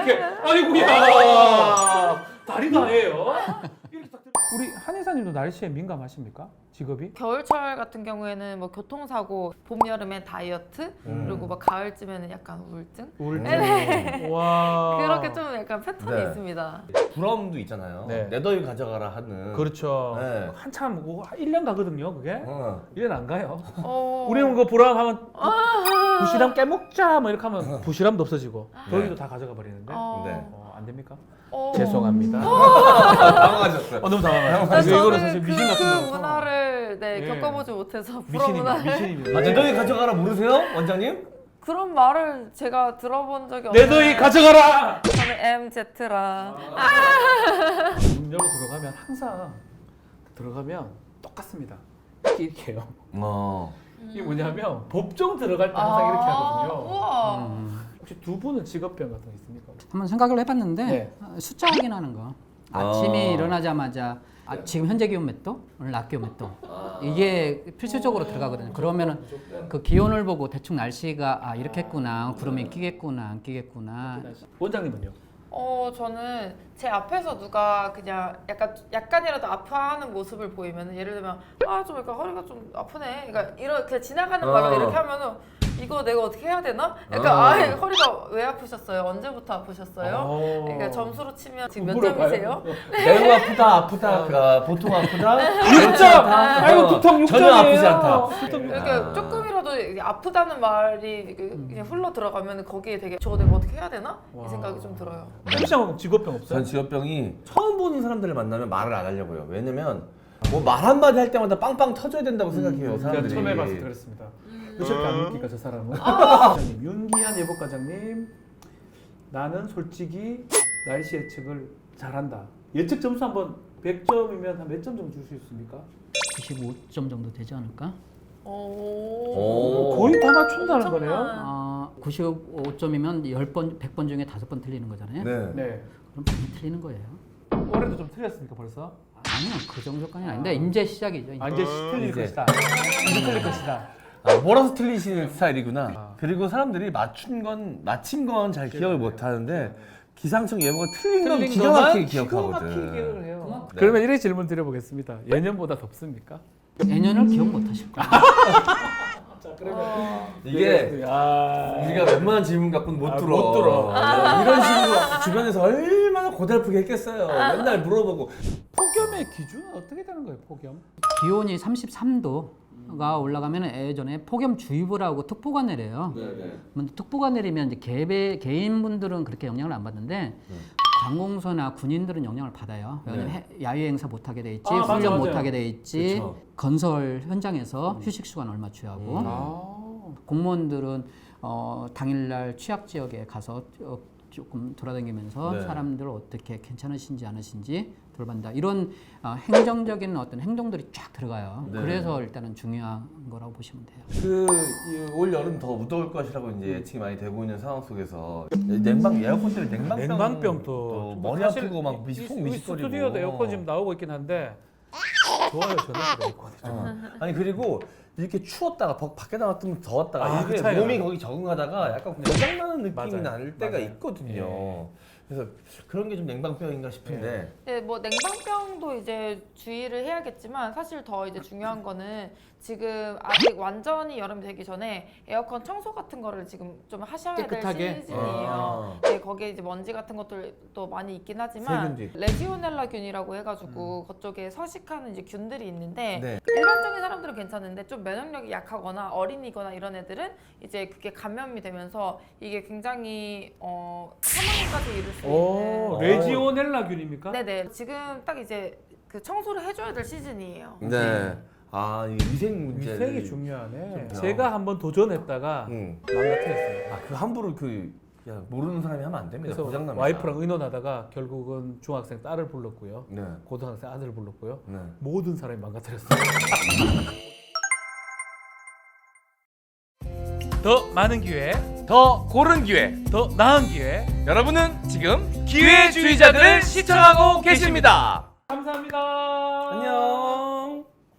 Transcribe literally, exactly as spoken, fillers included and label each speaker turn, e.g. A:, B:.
A: 이렇게 아이고야 다리 다예요. 이렇게 딱 들어- 우리 한의사님도 날씨에 민감하십니까? 직업이?
B: 겨울철 같은 경우에는 뭐 교통사고, 봄 여름엔 다이어트,
C: 음.
B: 그리고 막 가을쯤에는 약간 우울증.
A: 우울증.
B: 네.
A: 와.
B: 그렇게 좀 약간 패턴이
C: 네.
B: 있습니다.
C: 부럼도 있잖아요.
A: 네.
C: 내 더위 가져가라 하는.
A: 그렇죠.
C: 네.
A: 한참 뭐 일 년 가거든요, 그게.
C: 어.
A: 일 년 안 가요.
B: 어...
A: 우리는 그 보람 하면 부실함 깨먹자 뭐 이렇게 하면 부실함도 없어지고 더위도 다 가져가 버리는데
B: 어...
C: 네.
A: 어, 안 됩니까?
B: 어...
A: 죄송합니다.
C: 당황하셨어요.
A: 어, 너무 당황해요.
B: 나
A: 이거- 이거는
B: 저는
A: 사실
B: 그,
A: 미신 같은
B: 그
A: 거라서.
B: 문화를 네,
A: 예.
B: 겪어보지 못해서 불어
A: 미신입니다.
B: 문화를
A: 미신입니다.
C: 아, 내 더위 가져가라 모르세요? 원장님?
B: 그런 말을 제가 들어본 적이
A: 내
B: 없어요.
A: 더위 가져가라.
B: 저는 엠제트라.
A: 문 열고 들어가면 항상 들어가면 똑같습니다. 이렇게 이렇게 해요.
C: 어.
A: 이게 뭐냐면 법정 들어갈 때 항상 이렇게 하거든요.
B: 우와.
A: 음. 혹시 두 분은 직업병 같은 거 있습니까?
D: 한번 생각을 해봤는데
A: 네.
D: 어, 숫자 확인하는 거. 아침에
C: 아.
D: 일어나자마자 아, 지금 현재 기온 몇 도? 오늘 낮 기온 몇 도? 이게 필수적으로 들어가거든요. 그러면은 그 기온을 보고 대충 날씨가 아 이렇게 했구나, 구름이 끼겠구나, 안 끼겠구나.
A: 원장님은요?
B: 어 저는 제 앞에서 누가 그냥 약간 약간이라도 아파하는 모습을 보이면 예를 들면 아 좀 약간 허리가 좀 아프네. 그러니까 이런 그냥 지나가는 말로
C: 어.
B: 이렇게 하면은 이거 내가 어떻게 해야 되나? 약간
C: 어.
B: 아 허리가 왜 아프셨어요? 언제부터 아프셨어요?
A: 어.
B: 그러니까 점수로 치면 지금 몇
A: 물어봐요.
B: 점이세요?
C: 매우 아프다, 아프다, 아, 보통 아프다.
A: 육 점!
C: 괜찮다.
A: 아이고
C: 어,
A: 두통 육 점이에요.
C: 전혀 아프지 않다.
B: 이렇게
C: 아.
B: 조금이라도 이게 아프다는 말이 그- 그냥 흘러 들어가면 거기에 되게 저거 내가 어떻게 해야 되나?
A: 와.
B: 이 생각이 좀 들어요.
A: 혹시 직업병 없어요?
C: 전 직업병이 처음 보는 사람들을 만나면 말을 안 하려고요. 왜냐면 뭐 말 한마디 할 때마다 빵빵 터져야 된다고 생각해요,
A: 제가
C: 사람들이.
A: 처음 해봐서 그랬습니다. 왜 저렇게 안 믿기까 저 사람은? 과장님, 윤기한 예보과장님, 나는 솔직히 날씨 예측을 잘한다. 예측 점수 한번 백 점이면 한 몇 점 정도 줄 수 있습니까?
D: 구십오 점 정도 되지 않을까?
B: 오.
C: 오.
A: 거의 다 맞춘다는
B: 엄청난.
A: 거네요.
D: 아, 구십오 점이면 십 번, 백 번 중에 다섯 번 틀리는 거잖아요.
C: 네.
A: 네.
D: 그럼 많이 틀리는 거예요.
A: 올해도 좀 틀렸습니까 벌써?
D: 아니요, 그 정도까지는 아닌데 이제 시작이죠. 이제.
A: 아 이제 틀릴
C: 이제.
A: 것이다. 이제 틀릴 것이다.
C: 아, 몰아서 틀리시는 스타일이구나.
A: 아.
C: 그리고 사람들이 맞춘 건 맞힌 건 잘 기억을 못 하는데 기상청 예보가 틀린 건
A: 틀린
C: 기가
A: 것만
C: 막히게
A: 기가
C: 기억하거든.
A: 막히게 기억을 해요.
C: 네.
A: 그러면 이렇게 질문 드려보겠습니다. 예년보다 덥습니까?
D: 내년을 기억 못 하실 거예요.
A: 자 그러면
B: 어.
C: 이게
A: 아...
C: 우리가 웬만한 질문 갖고는 못
A: 아,
C: 들어.
A: 못 들어.
C: 어, 이런 식으로 주변에서 얼마나 고달프게 했겠어요. 맨날 물어보고.
A: 폭염의 기준은 어떻게 되는 거예요? 폭염?
D: 기온이 삼십삼 도가 올라가면 예전에 폭염주의보라고 특보가 내려요. 근데 특보가 내리면 이제 개배, 개인분들은 그렇게 영향을 안 받는데 관공서나 군인들은 영향을 받아요. 왜냐면
C: 네.
D: 해- 야외 행사 못 하게 돼 있지,
A: 아, 맞아,
D: 훈련
A: 맞아요.
D: 못 하게 돼 있지,
C: 그쵸.
D: 건설 현장에서 휴식 시간 얼마 취하고
C: 음.
A: 아...
D: 공무원들은 어, 당일날 취약 지역에 가서 어, 조금 돌아다니면서
C: 네.
D: 사람들 어떻게 괜찮으신지 않으신지 돌반다. 이런 어, 행정적인 어떤 행동들이 쫙 들어가요.
C: 네.
D: 그래서 일단은 중요한 거라고 보시면 돼요.
C: 그올 여름 더 무더울 것이라고 이제 예측이 많이 되고 있는 상황 속에서 냉방 에어컨 때문에 냉방병,
A: 냉방병도
C: 또
A: 좀
C: 머리
A: 사실
C: 아프고 막
A: 이-
C: 미속
A: 이- 이
C: 미식거리고.
A: 스튜디오도 에어컨 지금 나오고 있긴 한데 좋아요 저는 에어컨이 좀.
C: 어. 아니 그리고 이렇게 추웠다가 밖- 밖에 나갔으면 더웠다가
A: 아, 그
C: 이게
A: 차이가
C: 몸이
A: 나요.
C: 거기 적응하다가 약간 고장나는 느낌이
A: 맞아요.
C: 날 때가
A: 맞아요.
C: 있거든요.
A: 예.
C: 그래서 그런 게 좀 냉방병인가 싶은데.
B: 네, 뭐 냉방병도 이제 주의를 해야겠지만 사실 더 이제 중요한 거는 지금 아직 완전히 여름이 되기 전에 에어컨 청소 같은 거를 지금 좀 하셔야 될
A: 깨끗하게?
B: 시즌이에요.
C: 아.
B: 네, 거기에 이제 먼지 같은 것들도 많이 있긴 하지만
C: 세균도 있고.
B: 레지오넬라균이라고 해가지고 그쪽에 서식하는 이제 균들이 있는데
C: 네.
B: 일반적인 사람들은 괜찮은데 좀 면역력이 약하거나 어린이거나 이런 애들은 이제 그게 감염이 되면서 이게 굉장히 어, 사망까지 이를 수
A: 오
B: 있는.
A: 레지오넬라균입니까?
B: 네네. 지금 딱 이제 그 청소를 해줘야 될 시즌이에요.
C: 네. 아, 이 위생 문제.
A: 위생이 중요하네.
C: 좀
A: 제가 한번 도전했다가
C: 응.
A: 망가뜨렸어요.
C: 아, 그 함부로 그 야, 모르는 사람이 하면 안 됩니다.
A: 그래서
C: 고장납니다.
A: 와이프랑 의논하다가 결국은 중학생 딸을 불렀고요.
C: 네.
A: 고등학생 아들을 불렀고요.
C: 네.
A: 모든 사람이 망가뜨렸어요. 더 많은 기회,
E: 더 고른 기회.
A: 더 나은 기회.
E: 여러분은 지금 기회주의자들을 시청하고 계십니다.
A: 감사합니다.
C: 안녕.